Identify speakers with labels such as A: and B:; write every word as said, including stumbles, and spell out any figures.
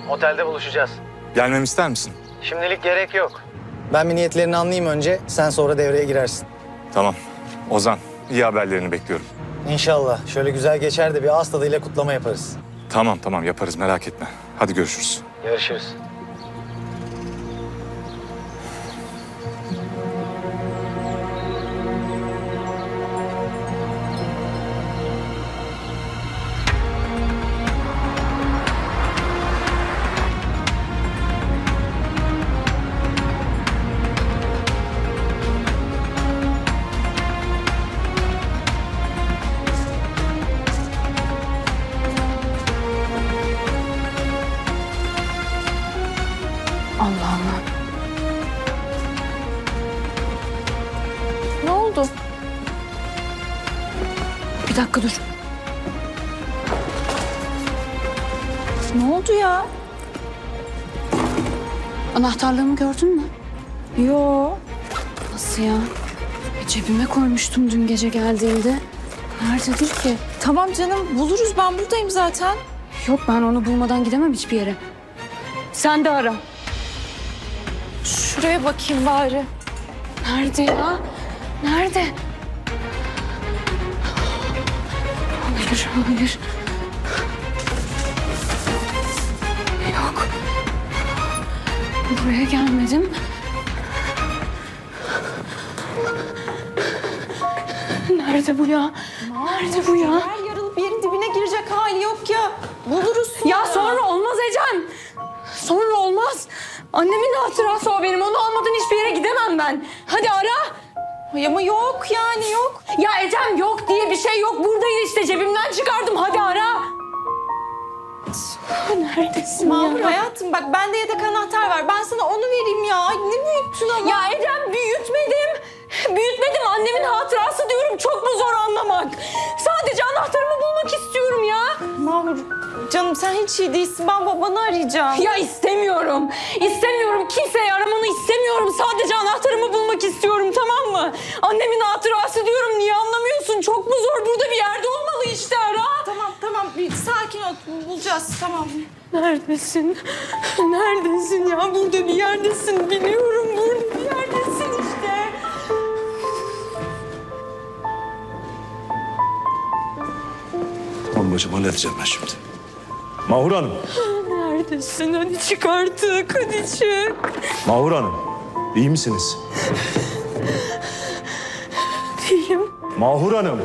A: Otelde buluşacağız.
B: Gelmemi ister misin?
A: Şimdilik gerek yok. Ben bir niyetlerini anlayayım önce, sen sonra devreye girersin.
B: Tamam. Ozan, iyi haberlerini bekliyorum.
A: İnşallah. Şöyle güzel geçer de bir ağız tadıyla kutlama yaparız.
B: Tamam tamam yaparız, merak etme. Hadi görüşürüz.
A: Görüşürüz.
C: Allah Allah. Ne oldu? Bir dakika dur. Ne oldu ya? Anahtarlığımı gördün mü? Yo. Nasıl ya? E, cebime koymuştum dün gece geldiğinde. Nerededir ki?
D: Tamam canım, buluruz. Ben buradayım zaten.
C: Yok, ben onu bulmadan gidemem hiçbir yere. Sen de ara.
D: Şuraya bakayım bari.
C: Nerede ya? Nerede? Hayır, hayır. Yok. Buraya gelmedim. Nerede bu ya? Nerede bu ya?
D: Her yarılıp yerin dibine girecek hali yok ya. Buluruz sonra.
C: Ya sonra olmaz Ecem. Sonra olmaz. Annemin hatırası o benim. Onu almadan hiçbir yere gidemem ben. Hadi ara.
D: Ay ama yok yani yok.
C: Ya Ecem yok diye bir şey yok. Buradaydı işte, cebimden çıkardım. Hadi ara. Neredesin
D: Mahur
C: ya?
D: hayatım bak bende yedek anahtar var. Ben sana onu vereyim ya. Ay, ne büyüttün ama.
C: Ya Ecem büyütmedim. Büyütmedim. Annemin hatırası diyorum. Çok mu zor anlamak? Sadece anahtarımı bulmak istiyorum ya.
D: Mahur canım sen hiç iyi değilsin. Ben babanı arayacağım.
C: Ya istemiyorum. İstemiyorum. Kimseyi aramanı istemiyorum. Sadece anahtarımı bulmak istiyorum, tamam mı? Annemin hatırası diyorum. Niye anlamıyorsun? Çok mu zor? Burada bir yerde olmalı işte, ara.
D: Tamam tamam bir sakin ol. Bulacağız tamam.
C: Neredesin? Neredesin ya? Burada bir yerdesin. Biliyorum, burada bir yerdesin işte.
E: Tamam bacım halledeceğim ben şimdi. Mahur Hanım.
C: Neredesin? Hadi çık artık. Hadi çık.
E: Mahur Hanım. İyi misiniz?
C: Değilim.
E: Mahur Hanım.